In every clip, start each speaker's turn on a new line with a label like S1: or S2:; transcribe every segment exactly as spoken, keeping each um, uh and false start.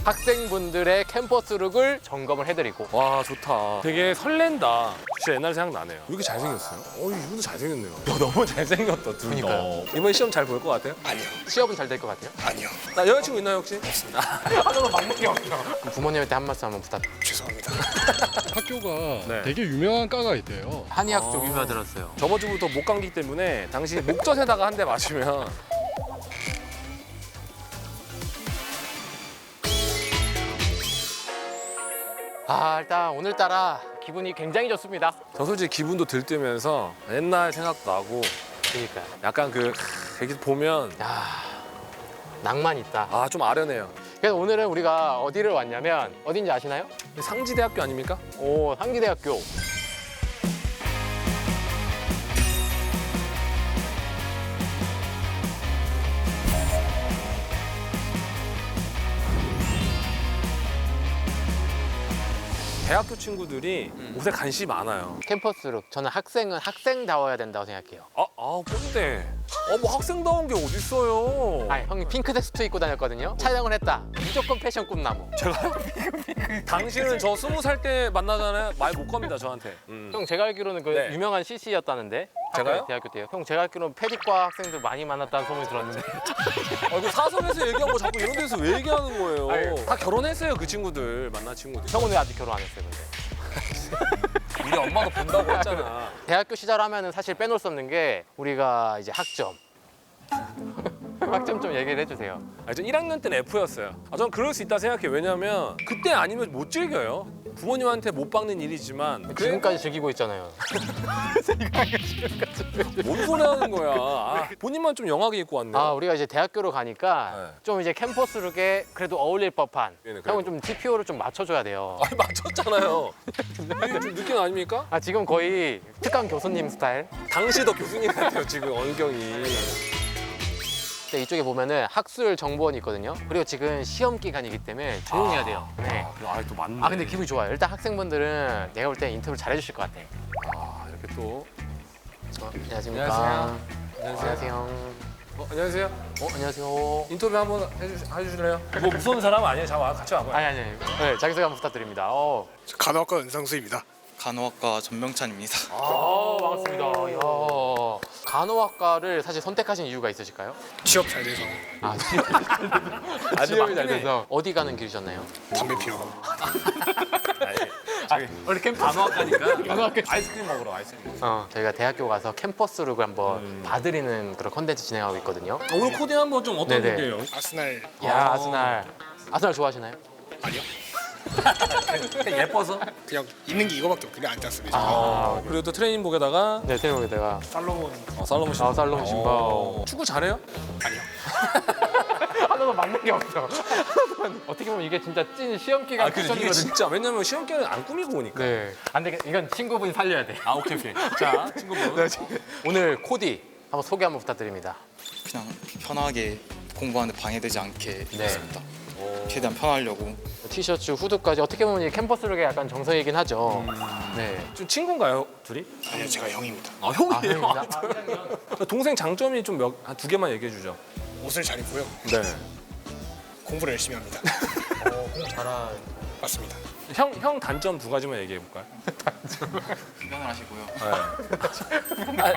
S1: 학생분들의 캠퍼스 룩을 점검을 해드리고.
S2: 와 좋다. 되게 설렌다. 진짜 옛날 생각나네요. 왜 이렇게 잘생겼어요? 어 이분도 잘생겼네요. 야, 너무 잘생겼다 둘 다.
S1: 그러니까요.
S2: 이번에 시험 잘 볼 것 같아요?
S3: 아니요.
S1: 취업은 잘 될 것 같아요?
S3: 아니요.
S2: 나 여자친구 있나요 혹시?
S1: 하나도 맞는 게 없어. 그럼 부모님한테 한 말씀 한번 부탁.
S3: 죄송합니다.
S4: 학교가
S2: 네.
S4: 되게 유명한 과가 있대요.
S1: 한의학
S2: 아.
S1: 쪽 유명 들었어요.
S2: 저번 주부터 목 감기 때문에 당시 목젖에다가 한 대 맞으면
S1: 아 일단 오늘따라 기분이 굉장히 좋습니다.
S2: 저 솔직히 기분도 들뜨면서 옛날 생각도 나고
S1: 그러니까.
S2: 약간 그 이렇게 보면
S1: 야 낭만 있다.
S2: 아 좀 아련해요.
S1: 그래서 오늘은 우리가 어디를 왔냐면 어딘지 아시나요?
S2: 상지대학교 아닙니까?
S1: 오 상지대학교.
S2: 대학교 친구들이 옷에 관심이 많아요.
S1: 캠퍼스 룩. 저는 학생은 학생다워야 된다고 생각해요.
S2: 아, 아 꼰대. 어, 뭐 학생다운 게 어딨어요.
S1: 아니 형이 핑크색 수트 입고 다녔거든요. 촬영을 했다. 무조건 패션 꿈나무.
S2: 제가요? 당신은 저 스무 살 때 만나잖아요. 말 못 겁니다, 저한테. 음.
S1: 형 제가 알기로는 그
S2: 네.
S1: 유명한 씨씨였다는데.
S2: 제가요?
S1: 대학교 때요. 형 제가 알기로는 패디과 학생들 많이 만났다는 소문이 들었는데.
S2: 아, 이거 사석에서 얘기하고 자꾸 이런 데서 왜 얘기하는 거예요?
S1: 아니,
S2: 다 결혼했어요, 그 친구들. 만난 친구들.
S1: 형은 왜 아직 결혼 안 했어요, 근데?
S2: 우리 엄마가 본다고 했잖아.
S1: 대학교 시절 하면은 사실 빼놓을 수 없는 게 우리가 이제 학점. 학점 좀 얘기를 해주세요.
S2: 아, 저 일 학년 때는 F였어요. 아, 전 그럴 수 있다 생각해요. 왜냐면 그때 아니면 못 즐겨요. 부모님한테 못 박는 일이지만
S1: 지금까지 즐기고 있잖아요.
S2: 뭔 소리 하는 거야. 아, 본인만 좀 영하게 입고 왔네.
S1: 아 우리가 이제 대학교로 가니까
S2: 네.
S1: 좀 이제 캠퍼스 룩에 그래도 어울릴 법한.
S2: 네, 네, 그래도.
S1: 형은 좀 티피오를 좀 맞춰줘야 돼요.
S2: 아니 맞췄잖아요. 이게 좀 느낌 아닙니까?
S1: 아 지금 거의 특강 교수님 스타일.
S2: 당시 더 교수님 같아요 지금 언경이.
S1: 근데 이쪽에 보면은 학술 정보원이 있거든요. 그리고 지금 시험 기간이기 때문에 조용해야 돼요. 네.
S2: 아또 맞네.
S1: 아 근데 기분이 좋아요. 일단 학생분들은 내가 볼 때 인터뷰 잘 해주실 것 같아.
S2: 아 이렇게 또.
S1: 어, 안녕하십니까.
S2: 안녕하세요.
S1: 안녕하세요.
S2: 어, 안녕하세요.
S1: 어 안녕하세요.
S2: 인터뷰 한번 해주, 해주실래요? 뭐 무서운 사람 아니에요? 자 와, 같이 와봐요.
S1: 아니 아니. 아니. 네 자기소개 한번 부탁드립니다. 어.
S3: 저 간호학과 은상수입니다.
S5: 간호학과 전명찬입니다.
S1: 아 반갑습니다. 이야. 간호학과를 사실 선택하신 이유가 있으실까요?
S3: 취업 잘 돼서
S1: 아 취업이 잘 돼서 어디 가는 길이셨나요?
S3: 담배 피러
S1: 원래 캠
S2: 간호학과니까.
S1: 간호학과.
S2: 아이스크림 먹으러 아이스크림.
S1: 어 저희가 대학교 가서 캠퍼스 룩을 한번 봐드리는 그런 컨텐츠 진행하고 있거든요.
S2: 오늘 코디 한번 좀 어떤
S1: 네네.
S2: 곡이에요?
S3: 아스날
S1: 야
S2: 아.
S1: 아스날. 아스날 좋아하시나요?
S3: 아니요.
S2: 예뻐서?
S3: 그냥 있는 게 이거밖에 없길래 안 짰습니다.
S2: 아, 그리고 또 트레이닝복에다가
S1: 네 테레비에다가
S3: 살로몬
S2: 어, 살로몬 신발.
S1: 아 살로몬 신발.
S2: 어. 축구 잘해요?
S3: 아니요.
S1: 하나도 맞는 게 없어. 어떻게 보면 이게 진짜 찐 시험 기간
S2: 아, 근데 이게
S1: 쿠션이거든요.
S2: 진짜 왜냐면 시험 기간에 안 꾸미고 오니까.
S1: 네. 안 되겠. 이건 친구분이 살려야 돼.
S2: 아 오케이 오케이. 자 친구분.
S1: 오늘 코디 한번 소개 한번 부탁드립니다.
S5: 그냥 편하게 공부하는데 방해되지 않게
S1: 네.
S5: 입었습니다. 최대한 편하려고.
S1: 티셔츠, 후드까지 어떻게 보면 이 캠퍼스 룩의 약간 정석이긴 하죠. 네.
S2: 좀 친구인가요 둘이?
S3: 아니요, 제가 형입니다.
S2: 아 형이에요.
S1: 아,
S2: 동생 장점이 좀 몇 한 두 개만 얘기해 주죠.
S3: 옷을 잘 입고요.
S2: 네.
S3: 공부를 열심히 합니다.
S1: 잘한.
S3: 맞습니다.
S2: 형 형 단점 두 가지만 얘기해 볼까요?
S5: 훈련을 하시고요.
S2: 네.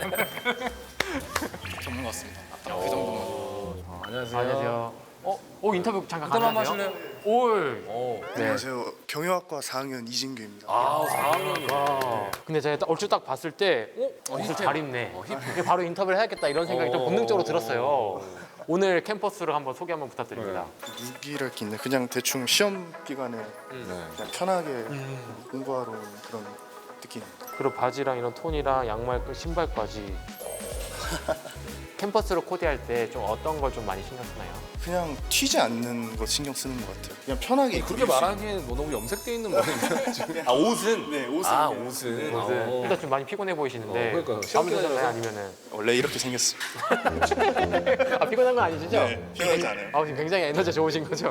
S5: 전문 것 같습니다. 그 정도면.
S2: 어, 안녕하세요.
S1: 안녕하세요. 어, 오 인터뷰 잠깐
S2: 인터뷰 한번
S1: 가능하세요?
S2: 하실래요?
S1: 올.
S2: 오.
S1: 네.
S6: 안녕하세요. 경영학과 사 학년 이진규입니다.
S2: 아 사 학년이네.
S1: 아, 근데 제가 딱 얼추 딱 봤을 때, 어, 옷을 잘 입네. 이게 바로 인터뷰를 해야겠다 이런 생각이 좀
S2: 어.
S1: 본능적으로 들었어요. 오늘 캠퍼스를 한번 소개 한번 부탁드립니다.
S6: 무기랄 게 있네. 그냥 대충 시험 기간에
S2: 네.
S6: 그냥 편하게 공부하러 온 그런 느낌입니다.
S1: 그리고 바지랑 이런 톤이랑 양말, 신발까지. 캠퍼스로 코디할 때 좀 어떤 걸 좀 많이 신경 쓰나요?
S6: 그냥 튀지 않는 것 신경 쓰는 것 같아요. 그냥 편하게 입고
S2: 그렇게
S6: 입을 수
S2: 말하기엔 뭐 너무 염색돼 있는 모양인데. 아 옷은?
S6: 네, 옷은
S2: 아
S6: 그냥-
S2: 옷은.
S1: 네.
S2: 어.
S1: 일단 좀 많이 피곤해 보이시는데.
S2: 어, 그러니까요.
S1: 밤
S2: 시험
S1: 드셨나요?
S2: 기간이라서.
S1: 아니면은?
S6: 있는- 원래 이렇게 생겼습니다.
S1: 아 피곤한 건 아니시죠?
S6: 네, 편하지 않아요.
S1: 아 지금 굉장히 에너지 좋으신 거죠?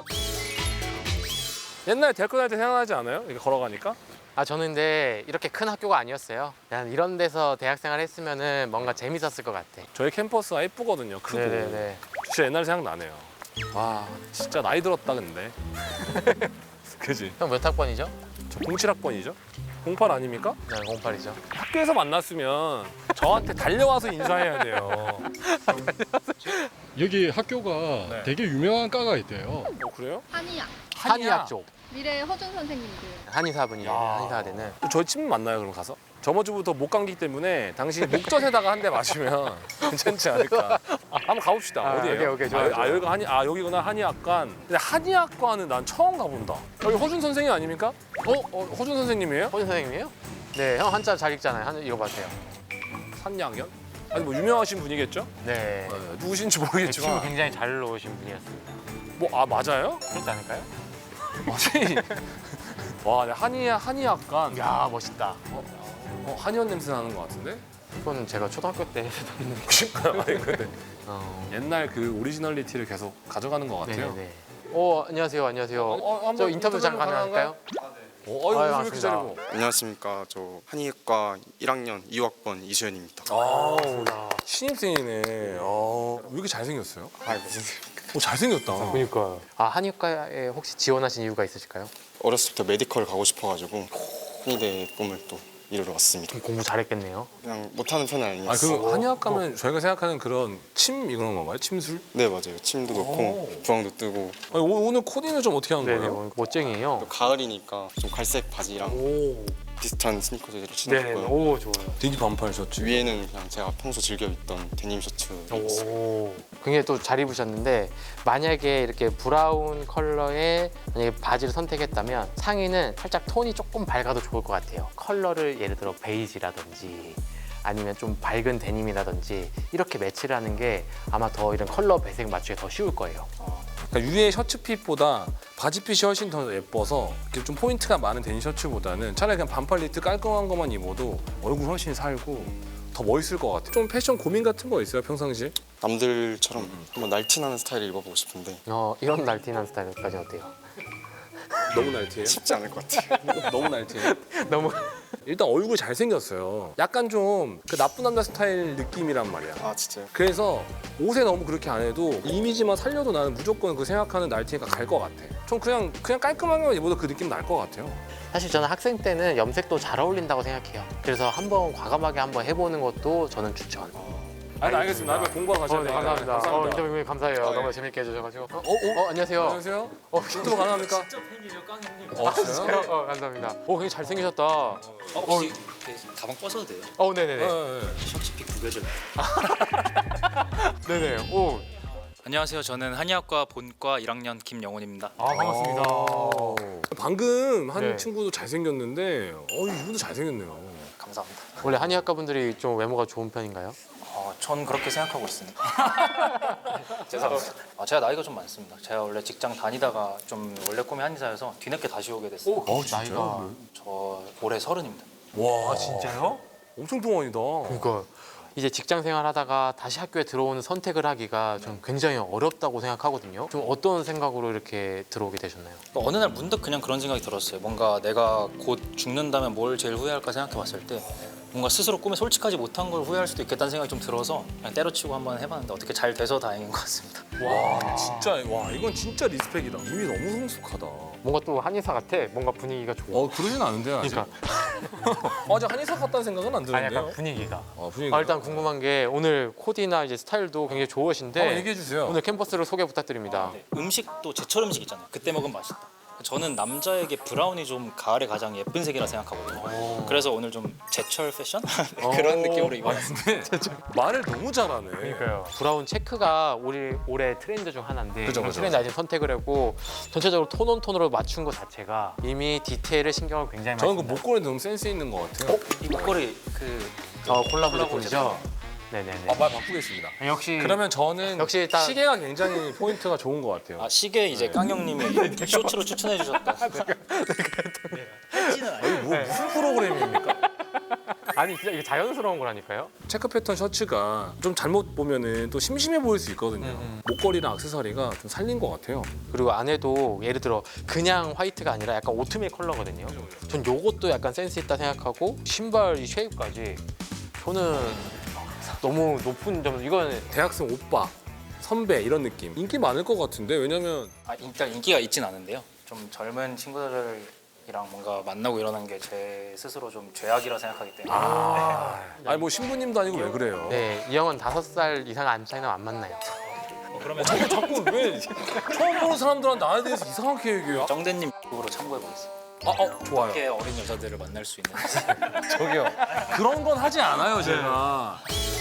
S2: 옛날에 대학교 다닐 때 생각나지 않아요? 이렇게 걸어가니까?
S1: 아 저는 근데 이렇게 큰 학교가 아니었어요. 그냥 이런 데서 대학생활 했으면은 뭔가 재밌었을 것 같아.
S2: 저희 캠퍼스가 예쁘거든요. 크고.
S1: 네네네.
S2: 진짜 옛날 생각 나네요. 와 진짜 나이 들었다 근데. 그지?
S1: 형 몇 학번이죠?
S2: 저 공칠 학번이죠? 공팔 아닙니까?
S1: 네, 공팔이죠.
S2: 학교에서 만났으면 저한테 달려와서 인사해야 돼요.
S4: 여기 학교가
S2: 네.
S4: 되게 유명한 과가 있대요.
S2: 어, 그래요?
S7: 한의학.
S1: 한의학 쪽.
S7: 미래 허준 선생님들.
S1: 한의사분이에요.
S2: 야.
S1: 한의사대는.
S2: 저희 침 맞나요 그럼 가서? 저번 주부터 목 감기 때문에 당신 목젖에다가 한 대 마시면 괜찮지 않을까? 한번 가봅시다.
S1: 아,
S2: 어디예요?
S1: 오케이, 오케이, 좋아요,
S2: 아, 아
S1: 좋아요.
S2: 여기가 한의 아 여기구나 한의학관. 근데 한의학과는 난 처음 가본다. 여기 허준 선생님 아닙니까? 어, 어 허준 선생님이에요?
S1: 호준 선생님이에요? 네, 형 한자 잘 읽잖아요. 한 읽어봐세요.
S2: 산양현? 아니 뭐 유명하신 분이겠죠?
S1: 네.
S2: 네, 누구신지
S1: 춤을
S2: 모르겠지만
S1: 굉장히 잘 놓으신 분이었습니다.
S2: 뭐 아 맞아요?
S1: 그렇지 않을까요?
S2: 아니 와 네, 한의 한의학관.
S1: 야 멋있다.
S2: 어, 한의원 냄새 나는 것 같은데?
S1: 이건 제가 초등학교 때 했던 있는.
S2: 그러니까요. 아니 근데
S1: 어.
S2: 옛날 그 오리지널리티를 계속 가져가는 것 같아요.
S1: 네네. 오 안녕하세요, 안녕하세요.
S2: 어, 한번
S1: 저 인터뷰 잠깐
S2: 가능한가요?
S1: 가능할까요?
S2: 어, 아유,
S1: 아유,
S2: 무슨 이렇게
S1: 반갑습니다.
S2: 잘고
S6: 안녕하십니까. 저 한의학과 일 학년 이 학번 이수현입니다.
S2: 아우
S1: 반갑습니다.
S2: 신입생이네. 어, 왜 이렇게 잘생겼어요?
S6: 아 무슨
S2: 오 잘생겼다.
S1: 그러니까요. 아 한의과에 혹시 지원하신 이유가 있으실까요?
S6: 어렸을 때부터 메디컬 가고 싶어가지고 한의대 꿈을 또 이루러 왔습니다.
S1: 공부 잘했겠네요.
S6: 그냥 못하는 편은
S2: 아
S6: 아니었어요.
S2: 그 한의학 가면 저희가 생각하는 그런 침 이런 건가요? 침술?
S6: 네 맞아요. 침도 넣고 부항도 뜨고
S2: 아니, 오, 오늘 코디는 좀 어떻게 한
S1: 네네,
S2: 거예요?
S1: 뭐 멋쟁이에요.
S6: 또 가을이니까 좀 갈색 바지랑
S2: 오,
S6: 비슷한 스니커즈를
S1: 네네,
S6: 신었고요.
S1: 오 좋아요.
S2: 되게 반팔 셔츠.
S6: 위에는 그냥 제가 평소 즐겨 입던 데님 셔츠 입었어요.
S1: 오, 굉장히 또 잘 입으셨는데 만약에 이렇게 브라운 컬러의 만약에 바지를 선택했다면 상의는 살짝 톤이 조금 밝아도 좋을 것 같아요. 컬러를 예를 들어 베이지라든지 아니면 좀 밝은 데님이라든지 이렇게 매치를 하는 게 아마 더 이런 컬러 배색 맞추기 더 쉬울 거예요.
S2: 그러니까 위에 셔츠핏보다 바지핏이 훨씬 더 예뻐서 이렇게 좀 포인트가 많은 데님 셔츠보다는 차라리 그냥 반팔 니트 깔끔한 것만 입어도 얼굴 훨씬 살고 더 멋있을 것 같아요. 좀 패션 고민 같은 거 있어요 평상시에?
S6: 남들처럼 한번 날티나는 스타일을 입어보고 싶은데
S1: 어, 이런 날티난 스타일까지 어때요?
S2: 너무 날티해요?
S6: 쉽지 않을 것 같아요.
S2: 너무 날티해요?
S1: 너무
S2: 일단 얼굴 잘생겼어요. 약간 좀 그 나쁜 남자 스타일 느낌이란 말이야.
S6: 아 진짜요?
S2: 그래서 옷에 너무 그렇게 안 해도 이미지만 살려도 나는 무조건 그 생각하는 날티니까 갈 것 같아. 전 그냥 그냥 깔끔하게만 입어도 그 느낌 날 것 같아요.
S1: 사실 저는 학생 때는 염색도 잘 어울린다고 생각해요. 그래서 한번 과감하게 한번 해보는 것도 저는 추천.
S2: 아니 알겠습니다. 나중에 공부하고 가셔야
S1: 어, 네,
S2: 돼요.
S1: 감사합니다. 어,
S2: 감사합니다.
S1: 인터뷰 감사해요.
S2: 네.
S1: 너무 재밌게 해주셔가지고. 어,
S2: 어,
S1: 어, 안녕하세요.
S2: 안녕하세요.
S1: 어,
S2: 유튜브 가능합니까? 진짜 팬이죠, 깡형님. 어, 진짜요?
S1: 어, 감사합니다. 오, 굉장히 잘생기셨다.
S5: 어, 혹시 그 가방 꺼셔도 돼요?
S1: 어, 네네네.
S2: 네, 네.
S5: 셔츠핏 구겨져요.
S1: 네네. 오,
S5: 안녕하세요. 저는 한의학과 본과 일 학년 김영훈입니다.
S1: 아, 반갑습니다.
S2: 어. 방금 한
S1: 네.
S2: 친구도 잘생겼는데 어, 이분도 잘생겼네요.
S5: 감사합니다.
S1: 원래 한의학과 분들이 좀 외모가 좋은 편인가요?
S5: 어, 전 그렇게 생각하고 있습니다. 죄송합니다. 아, 제가 나이가 좀 많습니다. 제가 원래 직장 다니다가 좀 원래 꿈이 한의사여서 뒤늦게 다시 오게 됐어요.
S1: 어, 나이가.
S5: 저 올해 서른입니다.
S2: 와,
S1: 아, 진짜요?
S2: 엄청 동안이다.
S1: 그러니까 이제 직장 생활하다가 다시 학교에 들어오는 선택을 하기가 좀 굉장히 어렵다고 생각하거든요. 좀 어떤 생각으로 이렇게 들어오게 되셨나요?
S5: 어느 날 문득 그냥 그런 생각이 들었어요. 뭔가 내가 곧 죽는다면 뭘 제일 후회할까 생각해 봤을 때 뭔가 스스로 꿈에 솔직하지 못한 걸 후회할 수도 있겠다는 생각이 좀 들어서 그냥 때려치고 한번 해봤는데 어떻게 잘 돼서 다행인 것 같습니다.
S2: 와, 진짜 와 이건 진짜 리스펙이다. 이미 너무 성숙하다.
S1: 뭔가 또 한의사 같아. 뭔가 분위기가 좋아.
S2: 어 그러진 않은데요 아직.
S1: 그러니까
S2: 아직 한의사 같다는 생각은 안
S1: 아니
S2: 드는데요.
S1: 약간 분위기가.
S2: 어, 분위기.
S1: 아, 일단 궁금한 게 오늘 코디나 이제 스타일도 굉장히 좋으신데
S2: 한번 얘기해 주세요.
S1: 오늘 캠퍼스를 소개 부탁드립니다.
S5: 네, 음식도 제철 음식 있잖아요. 그때 먹으면 맛있다. 저는 남자에게 브라운이 좀 가을에 가장 예쁜 색이라 생각하거든요. 그래서 오늘 좀 제철 패션 그런 느낌으로 입어봤습니다.
S2: 말을 너무 잘하네.
S1: 그러니까요. 브라운 체크가 우리 올해 트렌드 중 하나인데
S2: 그죠,
S1: 그런
S2: 그죠.
S1: 트렌드 아직 선택을 하고 전체적으로 톤온 톤으로 맞춘 것 자체가 이미 디테일에 신경을 굉장히 많이
S2: 저는 그
S1: 쓴다.
S2: 목걸이 너무 센스 있는 것 같아요.
S5: 이 목걸이 그
S1: 어, 콜라보
S5: 콜라보
S1: 제품이죠? 네네네.
S2: 아, 말 바꾸겠습니다.
S1: 역시
S2: 그러면 저는
S1: 역시 일단-
S2: 시계가 굉장히 포인트가 좋은 것 같아요.
S5: 아, 시계 이제 깡형님이 쇼츠로 추천해 주셨다.
S2: 뭐 무슨 프로그램입니까?
S1: 아니 진짜 이게 자연스러운 거라니까요.
S2: 체크 패턴 셔츠가 좀 잘못 보면은 또 심심해 보일 수 있거든요.
S1: 음,
S2: 목걸이랑 액세서리가 좀 살린 것 같아요.
S1: 그리고 안에도 예를 들어 그냥 화이트가 아니라 약간 오트밀 컬러거든요. 전 요것도 약간 센스 있다 생각하고 신발 이 쉐입까지 저는 너무 높은 점 이거는
S2: 대학생 오빠, 선배 이런 느낌 인기 많을 것 같은데 왜냐면
S5: 아, 일단 인기가 있진 않은데요. 좀 좀 젊은 친구들이랑 뭔가 만나고 이러는 게 제 스스로 좀 죄악이라 생각하기 때문에
S2: 아니 뭐 신부님도 아니고 왜 그래요?
S1: 네, 이 형은 다섯 살 이상 안 차이는 안 만나요.
S5: 그러면
S2: 자꾸 자꾸 왜 처음 보는 사람들한테 나에 대해서 이상하게 얘기해요?
S5: 정대님 쪽으로 참고해 보겠습니다.
S2: 아, 어, 좋아요.
S5: 어떻게 어린 여자들을 만날 수 있는지.
S2: 저기요. 그런 건 하지 않아요, 제가.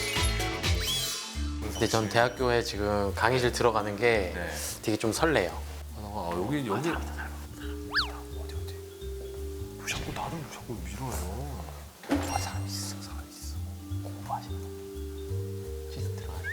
S1: 근데 전 대학교에 지금 강의실 들어가는 게
S2: 네.
S1: 되게 좀 설레요.
S2: 아, 여기 여기 어디 어디? 뭐 자꾸 나를 자꾸 밀어요.
S1: 아, 사람 있어, 사람 있어. 공부하시는 실습 들어가는.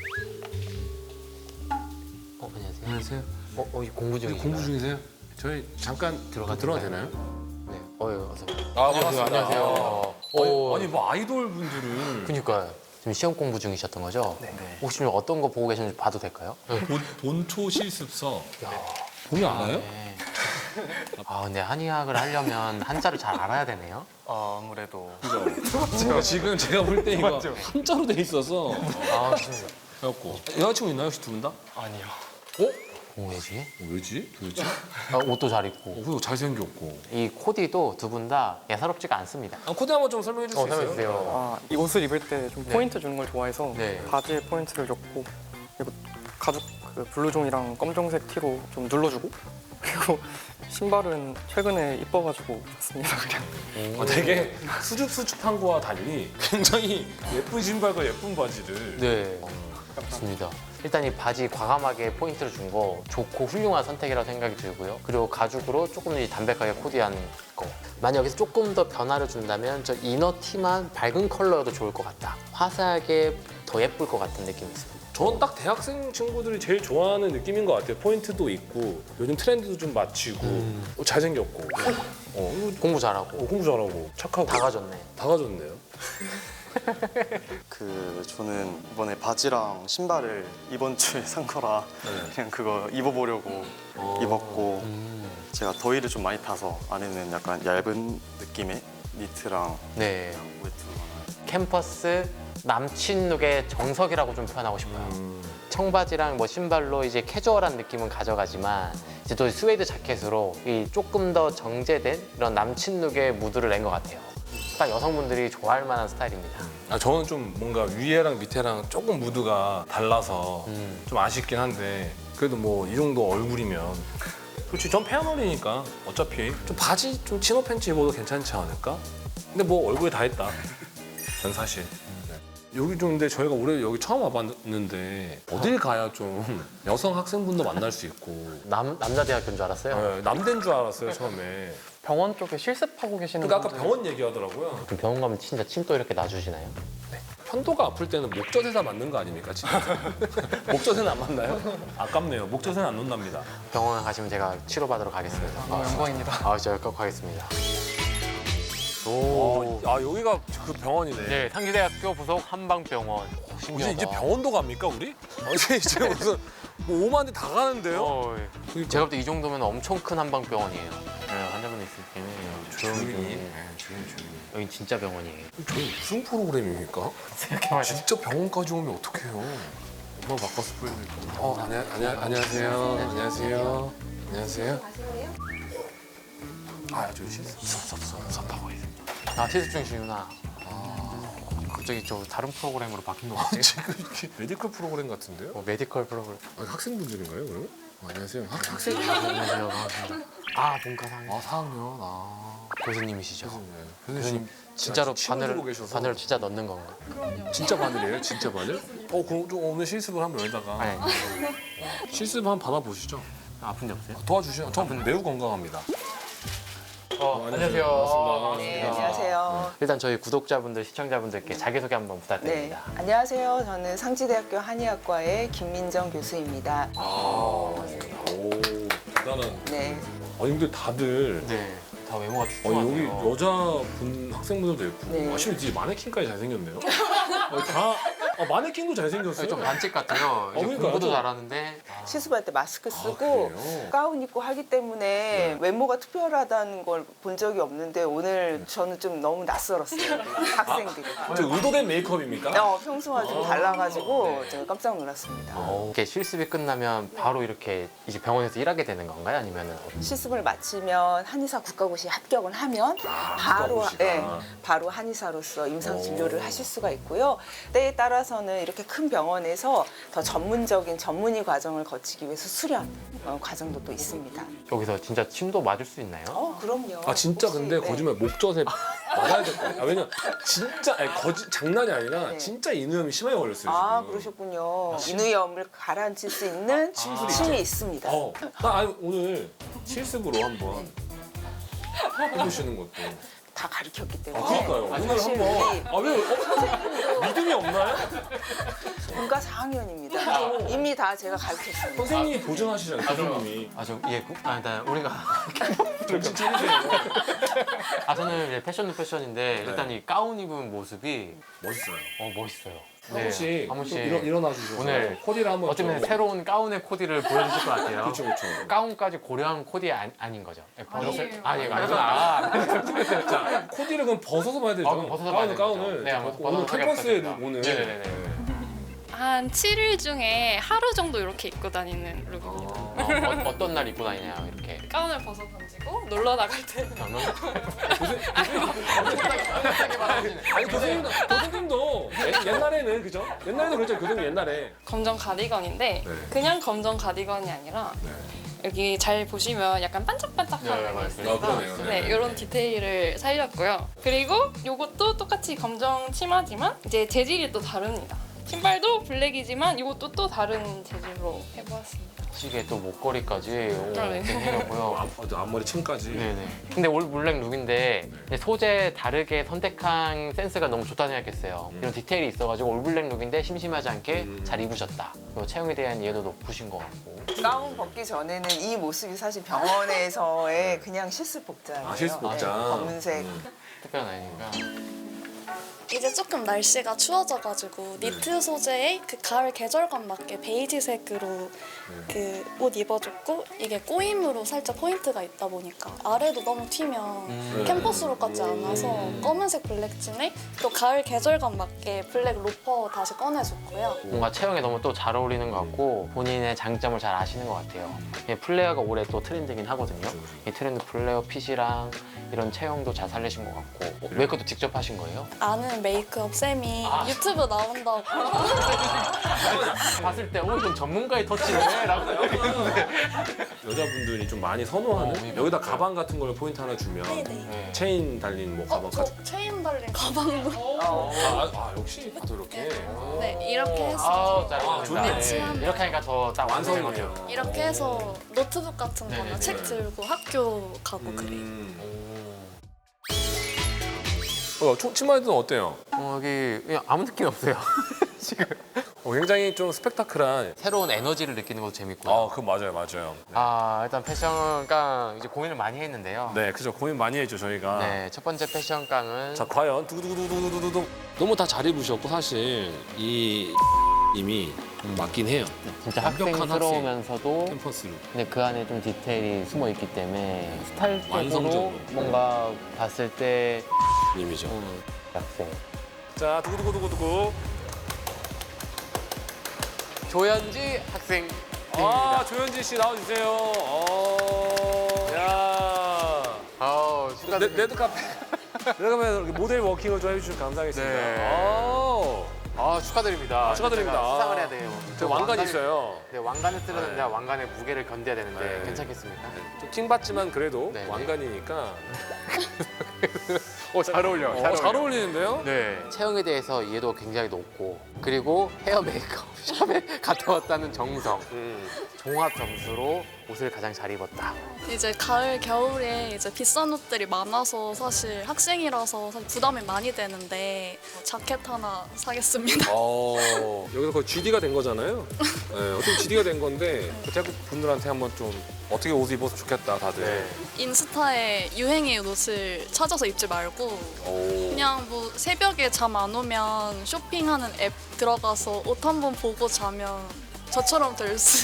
S1: 어, 안녕하세요.
S2: 안녕하세요.
S1: 어, 어, 공부 중이세요?
S2: 공부 중이세요? 저희 잠깐
S1: 들어가
S2: 들어가도 되나요?
S1: 네. 어, 어서.
S2: 아,
S1: 안녕하세요. 안녕하세요. 어,
S2: 아니, 아니 뭐 아이돌 분들은
S1: 그니까요. 지금 시험 공부 중이셨던 거죠? 네. 혹시 좀 어떤 거 보고 계시는지 봐도 될까요?
S2: 본, 본초 실습서 보기 알아요?
S1: 네. 아, 근데 한의학을 하려면 한자를 잘 알아야 되네요.
S6: 아, 아무래도
S2: 제가 지금 제가 볼 때 이거 한자로 돼 있어서
S1: 아, 좋습니다.
S2: 그래갖고 여자친구 있나요 혹시 두 분 다?
S6: 아니요.
S1: 어, 왜지?
S2: 어, 왜지? 도대체?
S1: 아, 옷도 잘 입고.
S2: 어, 그리고 잘생겼고.
S1: 이 코디도 두 분 다 예사롭지가 않습니다.
S2: 아, 코디 한번 좀 설명해 줄 수
S1: 어,
S2: 있어요?
S1: 설명해주세요.
S7: 아, 이 옷을 입을 때 좀 포인트 주는 걸 좋아해서
S1: 네.
S7: 바지에 포인트를 줬고 그리고 가죽 그 블루종이랑 검정색 티로 좀 눌러주고 그리고 신발은 최근에 이뻐가지고 샀습니다 그냥.
S2: 어, 되게 수줍수줍한 거와 달리 굉장히 예쁜 신발과 예쁜 바지를.
S1: 네, 좋습니다. 일단 이 바지 과감하게 포인트를 준 거 좋고 훌륭한 선택이라고 생각이 들고요. 그리고 가죽으로 조금 더 담백하게 코디한 거. 만약 여기서 조금 더 변화를 준다면 저 이너 티만 밝은 컬러여도 좋을 것 같다. 화사하게 더 예쁠 것 같은 느낌이 있습니다.
S2: 저는 딱 대학생 친구들이 제일 좋아하는 느낌인 것 같아요. 포인트도 있고 요즘 트렌드도 좀 맞추고 어, 잘생겼고 어, 이거
S1: 공부 잘하고
S2: 어, 공부 잘하고 착하고
S1: 다 가졌네.
S2: 다 가졌네요.
S6: 그 저는 이번에 바지랑 신발을 이번 주에 산 거라 그냥 그거 입어보려고 입었고 제가 더위를 좀 많이 타서 안에는 약간 얇은 느낌의 니트랑
S1: 네,
S6: 우에트
S1: 캠퍼스 남친 룩의 정석이라고 좀 표현하고 싶어요. 청바지랑 뭐 신발로 이제 캐주얼한 느낌은 가져가지만 이제 또 스웨이드 자켓으로 이 조금 더 정제된 이런 남친 룩의 무드를 낸 것 같아요. 딱 여성분들이 좋아할 만한 스타일입니다.
S2: 아, 저는 좀 뭔가 위에랑 밑에랑 조금 무드가 달라서
S1: 음.
S2: 좀 아쉽긴 한데 그래도 뭐 이 정도 얼굴이면 솔직히 전 페어널이니까 어차피 좀 바지 좀 치노 팬츠 입어도 괜찮지 않을까? 근데 뭐 얼굴에 다 했다. 전 사실. 여기 좀 근데 저희가 올해 여기 처음 와봤는데 어딜 가야 좀 여성 학생분도 만날 수 있고
S1: 남, 남자 대학교인 줄 알았어요.
S2: 네, 남대인 줄 알았어요 처음에.
S7: 병원 쪽에 실습하고 계시는
S2: 그러니까 아까
S7: 분들
S2: 병원 얘기하더라고요.
S1: 그럼 병원 가면 진짜 침도 이렇게 놔주시나요?
S2: 편도가 아플 때는 목젖에다 맞는 거 아닙니까? 진짜? 목젖에는 안 맞나요? 아깝네요. 목젖에는 안 놓는답니다.
S1: 병원 가시면 제가 치료받으러 가겠습니다.
S7: 아, 영광입니다.
S1: 아, 진짜 꼭 가겠습니다. 오.
S2: 아 여기가 그 병원이네.
S1: 네, 상지대학교 부속 한방병원.
S2: 이제
S1: 신기하다.
S2: 이제 병원도 갑니까 우리? 아, 이제 이제 무슨 뭐 오만 대 다 가는데요?
S1: 어, 예. 제가 볼 때 이 정도면 엄청 큰 한방병원이에요. 네, 환자분 있을 때는 조용히
S2: 조용히.
S1: 좀-
S2: 조용히 조용히.
S1: 여기 진짜 병원이에요.
S2: 저희 무슨 프로그램입니까? 진짜 병원까지 오면 어떡해요? 엄마 바꿔서 보여드릴까? 어, 안녕, 안녕, 안녕하세요. 안녕하세요. 안녕하세요. 아, 저 실수. 섭섭하고 있어요.
S1: 아, 실습 중이시구나. 아, 갑자기 저 다른 프로그램으로 바뀐 것 같아요.
S2: 지금 이렇게 메디컬 프로그램 같은데요?
S1: 뭐 메디컬 프로그램.
S2: 아, 학생분들인가요, 그러면? 어, 안녕하세요. 학, 학생?
S1: 안녕하세요. 반갑습니다. 아, 본과 상임.
S2: 아, 사 학년. 아.
S1: 교수님이시죠?
S2: 네.
S1: 교수님 진짜로
S2: 침을
S1: 바늘
S2: 들고 계셔서.
S1: 바늘 진짜 넣는 건가?
S2: 진짜 바늘이에요? 진짜 바늘? 어, 그럼 좀 오늘 실습을 한번 여기다가
S1: 네.
S2: 실습 한번 받아보시죠.
S1: 아픈 데 없어요?
S2: 도와주시죠. 전 매우 건강합니다.
S1: 어, 안녕하세요.
S2: 반갑습니다.
S8: 네, 안녕하세요.
S1: 일단 저희 구독자분들, 시청자분들께 자기소개 한번
S8: 네,
S1: 부탁드립니다.
S8: 안녕하세요. 저는 상지대학교 한의학과의 김민정 교수입니다.
S2: 아, 오, 대단한.
S8: 네,
S2: 아니 근데 다들
S1: 네. 다 외모가
S2: 아니,
S1: 출중하네요.
S2: 여기 여자분 학생분들도 예쁘고
S8: 네.
S2: 아, 심지어 이제 마네킹까지 잘생겼네요. 아니, 다 아, 마네킹도 잘생겼어요.
S1: 좀 반칙 같아요. 이제
S2: 그러니까요.
S1: 공부도
S2: 좀-
S1: 잘하는데
S8: 실습할 때 마스크
S2: 아,
S8: 쓰고
S2: 그래요?
S8: 가운 입고 하기 때문에 외모가 특별하다는 걸 본 적이 없는데 오늘 저는 좀 너무 낯설었어요. 학생들이.
S2: 저 의도된 메이크업입니까?
S8: 어, 평소와 좀 달라가지고 제가 깜짝 놀랐습니다.
S1: 이렇게 실습이 끝나면 바로 이렇게 이제 병원에서 일하게 되는 건가요? 아니면은
S8: 실습을 마치면 한의사 국가고시에 합격을 하면 바로
S2: 국가고시가.
S8: 예, 바로 한의사로서 임상 진료를 하실 수가 있고요. 때에 따라서는 이렇게 큰 병원에서 더 전문적인 전문의 과정을 거치기 위해서 수련 어, 과정도 또 있습니다.
S1: 여기서 진짜 침도 맞을 수 있나요?
S8: 어, 그럼요.
S2: 아 진짜
S8: 혹시,
S2: 근데
S8: 네.
S2: 거짓말 목젖에 맞아야 될 거예요. 아, 왜냐 진짜 아니, 거짓 장난이 아니라
S8: 네.
S2: 진짜 인후염이 심하게 걸렸어요.
S8: 아,
S2: 지금.
S8: 그러셨군요. 인후염을 가라앉힐 수 있는 침이 있습니다.
S2: 어, 나 아니, 오늘 실습으로 한번 해보시는 것도.
S8: 다 가르쳤기
S2: 아,
S8: 때문에.
S2: 그러니까요. 오늘
S8: 사실
S2: 한번.
S8: 우리
S2: 아, 왜? 어? 믿음이 없나요?
S8: 본과 사 학년입니다. 이미 다 제가 가르쳤습니다.
S2: 선생님이 보증하시잖아요, 교수님이.
S1: 아, 저, 예, 구- 아, 일단 우리가.
S2: 정신 차리세요.
S1: 아, 저는 이제 패션도 패션인데, 일단 이 가운 입은 모습이,
S2: 멋있어요.
S1: 어, 멋있어요.
S2: 한 번씩,
S1: 한 번씩.
S2: 좀 일어, 일어나 주셔서
S1: 오늘
S2: 코디를 한번
S1: 어쩌면
S2: 좀-
S1: 새로운 가운의 코디를 보여주실 것 같아요.
S2: 그렇죠, 그렇죠.
S1: 가운까지 고려한 코디 아, 아닌 거죠? 예, 벗었을
S9: 아니에요.
S1: 아, 예, 아니구나.
S2: 자, 코디를 그럼 벗어서 봐야 되죠.
S1: 아, 그럼 벗어서 봐야
S2: 가운은
S1: 되죠.
S2: 가운을.
S1: 네,
S2: 자,
S1: 한번
S2: 벗고 오늘
S1: 벗어서
S2: 캠퍼스에
S1: 하겠습니다.
S2: 오늘.
S1: 네네네.
S9: 한 칠 일 중에 하루 정도 이렇게 입고 다니는 룩입니다.
S1: 어, 어, 어떤 날 입고 다니냐요, 이렇게.
S9: 가운을 벗어 던지고 놀러 나갈 때
S1: 저는
S2: 아니 교수님도 교수님도 옛- 옛날에는 그죠? 옛날에는 그랬죠 교수님 옛날에.
S9: 검정 가디건인데
S2: 네.
S9: 그냥 검정 가디건이 아니라 여기 잘 보시면 약간 반짝반짝하는
S1: 네,
S9: 게
S1: 맞아요.
S9: 있으니까
S2: 아, 그러네요. 네.
S9: 네, 이런 디테일을 살렸고요. 그리고 이것도 똑같이 검정 치마지만 이제 재질이 또 다릅니다. 신발도 블랙이지만 이것도 또 다른 재질로 해보았습니다.
S1: 시계 또 목걸이까지 오,
S9: 아, 네.
S1: 생겼고요.
S2: 앞, 앞머리 층까지.
S1: 네네. 근데 올 블랙 룩인데 이제 소재 다르게 선택한 센스가 너무 좋다고 생각했어요. 이런 디테일이 있어가지고 올 블랙 룩인데 심심하지 않게
S2: 음.
S1: 잘 입으셨다. 그리고 체형에 대한 이해도 높으신 것 같고.
S8: 가운 벗기 전에는 이 모습이 사실 병원에서의 그냥 실습복장이에요.
S2: 아, 실습복장.
S8: 네, 검은색.
S1: 특별한 아이니까.
S10: 이제 조금 날씨가 추워져가지고 니트 소재의 그 가을 계절감 맞게 베이지색으로 그 옷 입어줬고 이게 꼬임으로 살짝 포인트가 있다 보니까 아래도 너무 튀면
S1: 음.
S10: 캠퍼스룩 같지 않아서 검은색 블랙진에 또 가을 계절감 맞게 블랙 로퍼 다시 꺼내줬고요.
S1: 뭔가 체형에 너무 또 잘 어울리는 것 같고 본인의 장점을 잘 아시는 것 같아요. 이 플레어가 올해 또 트렌드긴 하거든요. 이 트렌드 플레어 핏이랑 이런 체형도 잘 살리신 것 같고 메이크업도 직접 하신 거예요?
S10: 아는 메이크업 쌤이 유튜브 나온다고
S1: 봤을 때 오, 이건 전문가의 터치네 라고 생각했는데
S2: 여자분들이 좀 많이 선호하는
S1: 어,
S2: 여기다 가방 같은 걸 포인트 하나 주면
S10: 네네.
S1: 네.
S2: 체인 달린 뭐 가방
S10: 어,
S2: 가져.
S10: 저 체인 달린 가방도
S2: 아, 아, 아, 역시 또 이렇게.
S10: 네 이렇게 해서
S1: 아우
S2: 아, 좋네.
S1: 잘했습니다. 이렇게 하니까 더 딱 완성인 것
S2: 완성이네요.
S1: 같아요.
S10: 이렇게 해서 노트북 같은 거나
S1: 네네네.
S10: 책 들고 학교 가고 그래요.
S2: 음. 어, 초- 치마에는 어때요?
S1: 어, 여기 그냥 아무 느낌이 없어요. 지금
S2: 어, 굉장히 좀 스펙타클한.
S1: 새로운 에너지를 느끼는 것도 재밌고요.
S2: 아, 그 맞아요, 맞아요.
S1: 아 일단 패션깡 이제 고민을 많이 했는데요.
S2: 네, 그죠. 고민 많이 했죠 저희가.
S1: 네, 첫 번째 패션깡은
S2: 자, 과연 두두두두두두두 너무 다 잘 입으셨고 사실 이 이미 맞긴 해요.
S1: 진짜
S2: 완벽한
S1: 학생스러우면서도
S2: 캠퍼스로.
S1: 근데 그 안에 좀 디테일이 숨어 있기 때문에 스타일적으로
S2: 완성적으로.
S1: 뭔가 봤을 때
S2: 이미죠.
S1: 음, 학생.
S2: 자, 두구두구두구두구.
S1: 조현지 학생.
S2: 아, 조현지 씨 나와주세요. 어, 야.
S1: 아우
S2: 레,
S1: 축하드립니다.
S2: 레드 카페. 레드 카페 모델 워킹을 좀 해주셔서 감사하겠습니다.
S1: 네.
S2: 오.
S1: 아 축하드립니다.
S2: 아, 축하드립니다.
S1: 제가 수상을 해야 돼요.
S2: 저 왕관이 있어요.
S1: 네, 왕관을 쓰려는데
S2: 네.
S1: 왕관의 무게를 견뎌야 되는데
S2: 네.
S1: 괜찮겠습니까?
S2: 좀 킹받지만 그래도
S1: 네, 네.
S2: 왕관이니까.
S1: 어, 잘 어울려.
S2: 어, 잘 어울리는데요?
S1: 네. 체형에 대해서 이해도가 굉장히 높고 그리고 헤어 메이크업 샵에 갔다 왔다는 정성.
S2: 음.
S1: 종합 점수로 옷을 가장 잘 입었다.
S10: 이제 가을 겨울에 이제 비싼 옷들이 많아서 사실 학생이라서 사실 부담이 많이 되는데 자켓 하나 사겠습니다.
S2: 어, 여기서 거의 지디가 된 거잖아요. 네, 어떻게 지디가 된 건데 그 태국 분들한테 한번 좀 어떻게 옷을 입어서 좋겠다 다들.
S1: 네.
S10: 인스타에 유행의 옷을 찾아서 입지 말고
S2: 오.
S10: 그냥 뭐 새벽에 잠 안 오면 쇼핑하는 앱 들어가서 옷 한번 보고 자면 저처럼 될 수.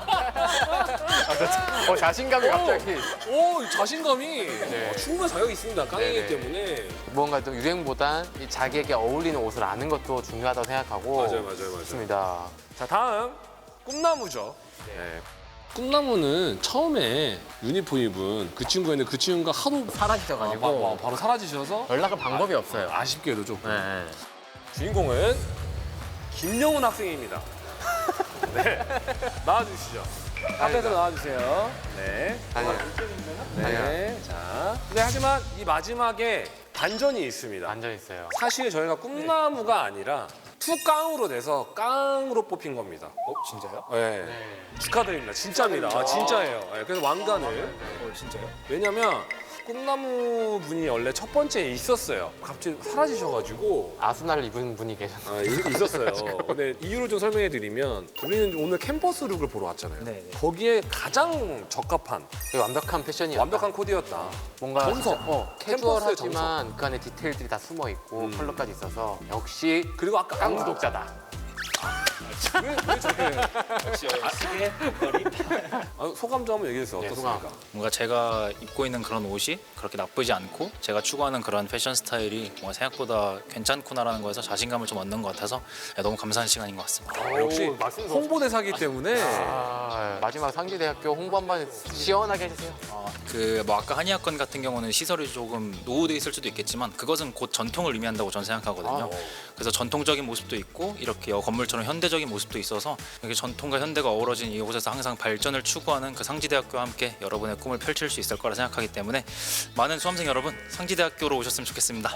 S1: 어, 자신감이 갑자기.
S2: 오, 자신감이
S1: 네.
S2: 어, 충분히 자격이 있습니다. 깡이기
S1: 네네.
S2: 때문에.
S1: 뭔가 또 유행보단 이 자기에게 어울리는 옷을 아는 것도 중요하다고 생각하고.
S2: 맞아요, 맞아요, 맞아요.
S1: 좋습니다.
S2: 자, 다음 꿈나무죠. 네. 꿈나무는 처음에 유니폼 입은 그 친구였는데 그 친구가 하도
S1: 사라지셔가지고
S2: 아, 바, 바로 사라지셔서
S1: 연락할 방법이 없어요.
S2: 아쉽게도 좀.
S1: 네.
S2: 주인공은 김영훈 학생입니다. 네, 나와주시죠. 앞에서 나와주세요. 네.
S1: 아니요.
S2: 네. 자. 근데 하지만 이 마지막에 반전이 있습니다.
S1: 완전 있어요.
S2: 사실 저희가 꿈나무가 아니라 투깡으로 돼서 깡으로 뽑힌 겁니다.
S5: 어 진짜요?
S2: 네. 축하드립니다. 진짜입니다. 아, 진짜예요. 네, 그래서 왕관을.
S5: 어 진짜요?
S2: 왜냐면 꿈나무 분이 원래 첫 번째에 있었어요. 갑자기 사라지셔가지고
S1: 아스날 입은 분이 계셨어요.
S2: 아, 이- 있었어요. 근데 이유를 좀 설명해 드리면 우리는 오늘 캠퍼스 룩을 보러 왔잖아요.
S5: 네, 네.
S2: 거기에 가장 적합한
S1: 완벽한 패션이었다.
S2: 완벽한 코디였다.
S1: 뭔가
S2: 정석.
S1: 진짜, 어,
S2: 캠퍼스의
S1: 캐주얼하지만 그 안에 디테일들이 다 숨어 있고
S2: 음.
S1: 컬러까지 있어서 역시
S2: 그리고 아까
S1: 깡 구독자다.
S2: 왜, 왜 저렇게 아, 소감 좀 한번 얘기해 주세요.
S1: 네,
S2: 어떻습니까?
S1: 소감.
S5: 뭔가 제가 입고 있는 그런 옷이 그렇게 나쁘지 않고 제가 추구하는 그런 패션 스타일이 뭔가 생각보다 괜찮구나라는 거에서 자신감을 좀 얻는 것 같아서 너무 감사한 시간인 것 같습니다.
S2: 아, 역시
S1: 오, 말씀도
S2: 홍보대사기 때문에
S1: 아, 마지막 상지대학교 홍보 한번 시원하게 해주세요.
S5: 그 뭐 아까 한의학관 같은 경우는 시설이 조금 노후돼 있을 수도 있겠지만 그것은 곧 전통을 의미한다고 저는 생각하거든요. 그래서 전통적인 모습도 있고 이렇게 건물처럼 현대적인 모습도 있어서 이렇게 전통과 현대가 어우러진 이곳에서 항상 발전을 추구하는 그 상지대학교와 함께 여러분의 꿈을 펼칠 수 있을 거라 생각하기 때문에 많은 수험생 여러분 상지대학교로 오셨으면 좋겠습니다.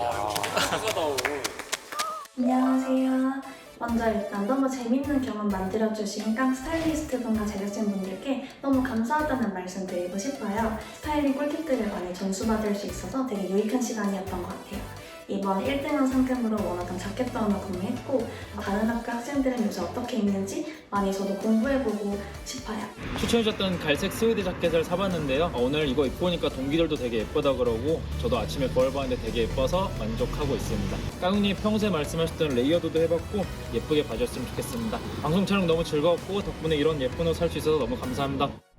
S10: 안녕하세요. 먼저 일단 너무 재밌는 경험 만들어주신 깡 스타일리스트 분과 제작진 분들께 너무 감사하다는 말씀 드리고 싶어요. 스타일링 꿀팁들을 많이 전수받을 수 있어서 되게 유익한 시간이었던 것 같아요. 이번 일 등한 상금으로 원하던 자켓도 하나 구매했고 다른 학교 학생들은 요새 어떻게 입는지 많이 저도 공부해보고 싶어요.
S11: 추천해줬던 갈색 스웨드 자켓을 사봤는데요. 오늘 이거 입고 오니까 동기들도 되게 예쁘다 그러고 저도 아침에 거울 봤는데 되게 예뻐서 만족하고 있습니다. 깡훈이 평소에 말씀하셨던 레이어드도 해봤고 예쁘게 봐줬으면 좋겠습니다. 방송 촬영 너무 즐거웠고 덕분에 이런 예쁜 옷 살 수 있어서 너무 감사합니다.